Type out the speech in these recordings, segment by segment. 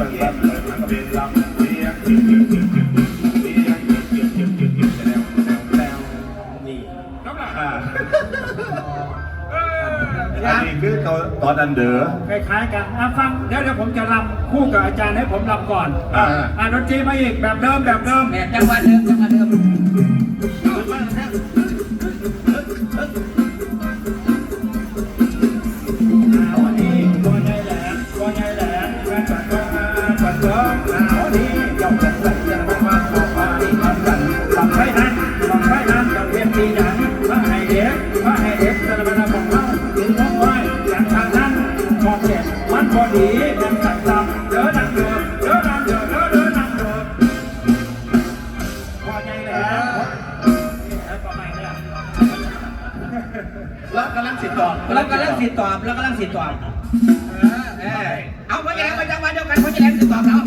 อันนี้คือตอนอันเดอร์คล้ายๆกันฟังเดี๋ยวผมจะรำคู่กับอาจารย์ให้ผมรำก่อนดนตรีมาอีกแบบเดิมแบบเดิมจังหวะเดิมจังหวะเดิมวันนี้ตัวใหญ่แหลมแม่ปัดก็มาปัดก็วันนี้ยอมจัดใส่จะมาขอพาที่ทำกันทำให้นั้นกับเพียงตีหนังพระให้เด็กจะมาบอกว่าถึงน้องไว้จากทางนั้นมองเจ็บมันพอดียังสั่งตามเดินนั่งเดินพอใหญ่แหลมประมาณนี้แล้วกำลังสิตอบเอาพอแย่มาจังหวะเดียวกันพอแย่สิตอบเรา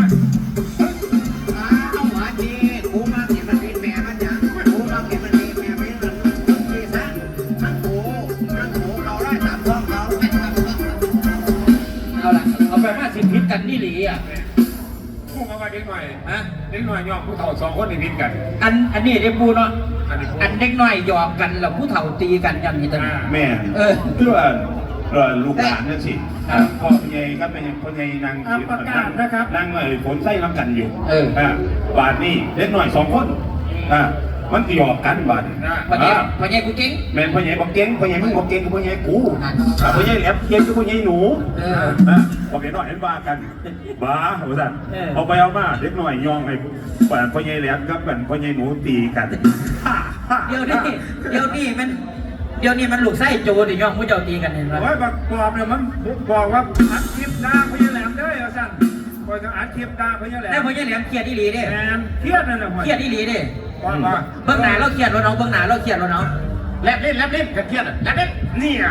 เอาหัวจีกูมาเก็บมันเป็นแม่มันยังกูมาเก็บมันเป็นแม่ไม่มันจีซะทั้งหูเราได้ตามท้องเราไม่ทำเอาละเอาไป50พิษกันนี่หลีอ่ะพูดมาเด็กหน่อยเด็กหน่อยยอมผู้เฒ่า2คนในพิษกันอันนี้เด็กปูเนาะอันเด็กน้อยหยอกกันแล้วผู้เฒ่าตีกันอย่างนี้ตอนนี้แม่เพื่อนลูกหลานนั่นสิพ่อพญายก็เป็นพ่อพญายนางประกาศนะครับนางหน่อยฝนไส้รับกันอยู่บาทนี่เล็กหน่อย2คนมันหยอกกันบาทพ่อใหญ่กูเก่งแม่พ่อใหญ่บอกเก่งพ่อใหญ่มึงบอกเก่งกับพ่อใหญ่กูพ่อใหญ่แหลมเก่งกับพ่อใหญ่หนูบอกเด็กหน่อยเห็นบ้ากันบ้าหัวสันเอาไปเอามาเด็กหน่อยยองให้พ่อใหญ่แหลมกับพ่อใหญ่หนูตีกันเดี๋ยวนี้มันลูกไส้โจดิย่องผู้เจ้าตีกันเห็นไหมโอ้ยบอกเนี่ยมันบอกว่าอัดคลิปด่าพ่อใหญ่แหลมด้วยเอาสั่นบอกจะอัดคลิปด่าพ่อใหญ่แหลมแต่พ่อใหญ่แหลมเครียดอีหลีเด้เครียดนั่นแหละเครียดอีหลีเด้เบื้องหน้าเราเครียดเราเครียดเราแลบเล่นเครียดแลบเล่นเนี่ย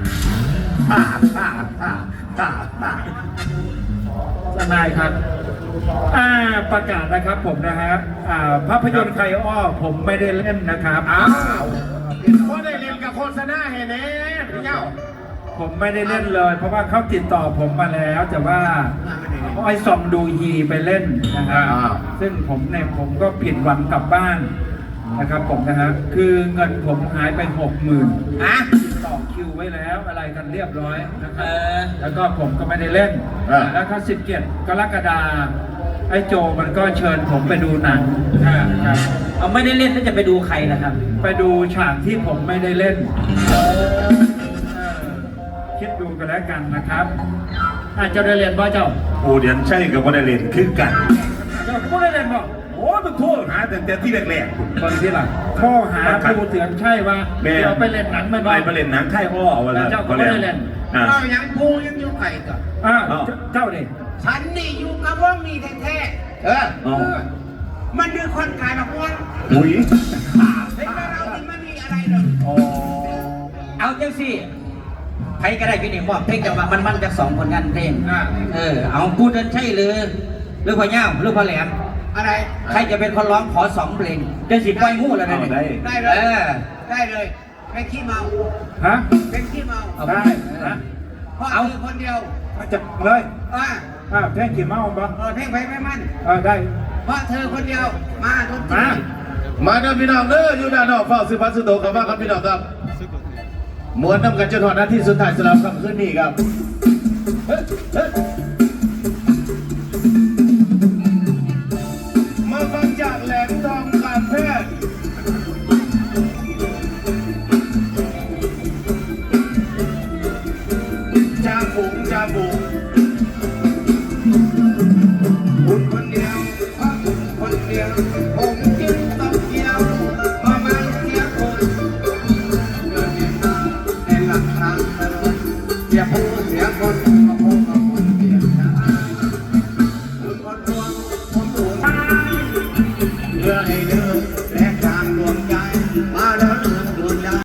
ทนายครับประกาศนะครับผมนะฮะภาพยนตร์ใครอ้อผมไม่ได้เล่นนะครับเพราะได้เล่นกับโฆษณาเห็นไหมพี่เจ้าผมไม่ได้เล่นเลยเพราะว่าเขาติดต่อผมมาแล้วแต่ว่าไอ้ซอมดูฮีไปเล่นนะครับซึ่งผมก็ผิดหวังกลับบ้านนะครับผมนะฮะคือเงินผมหายไป60,000ต่อคิวไว้แล้วอะไรกันเรียบร้อยนะครับแล้วก็ผมก็ไม่ได้เล่นแล้วก็17 กรกฎาคมไอ้โจมันก็เชิญผมไปดูหนังครับเอาไม่ได้เล่นแล้วจะไปดูใครนะครับไปดูฉากที่ผมไม่ได้เล่นคิดดูกันแล้วกันนะครับอาจจะได้เรียนบ่เจ้าโอ้เดี๋ยวใช่กับว่าได้เรียนคือกันเจ้าก็ได้เรียนบ่โอ้มันโทษหาแต่ที่แรกๆตอนที่หลังข้อหาดูเถื่อนใช่ว่าเดี๋ยวไปเล่นหนังมันไปเล่นหนังไข่อ้อเวลาเจ้าก็ไม่ได้เล่นเรายังกูยังอยู่ไข่ก่อนเจ้าดิฉันนี่อยู่กับว่ามีแท้ๆมันคือคนขายแบบว่าอุ้ยเฮ้ยเรามันมีอะไรเลยเอาจังสิใครก็ได้พี่นี่บอกเพลงจะมามันจาก2คนกันเพลงเอาพูดกันใช่หรือพ่อเง่าหรือพ่อแหลมอะไรใครจะเป็นคนร้องขอ2เพลงจะสิบไปงูแล้วนะได้เลยเป็นขี้เมาเป็นขี้เมาได้เพราะเอาคนเดียวจะเลยเพลงขี้เมาบ้างเพลงไปไม่มั่นได้เพราะเธอคนเดียวมาทุกทีมาด้านพี่น้องเด้ออยู่ด้านนอกเฝ้าซื้อพัสดุกับบ้านครับพี่น้องครับมวนนำกันจนถึงนาทีสุดท้ายสำหรับคำคืนนี้ครับมาฟังจากแหลมทองการแพทย์จ่าฝูงคุณคนเดียวคนเดียว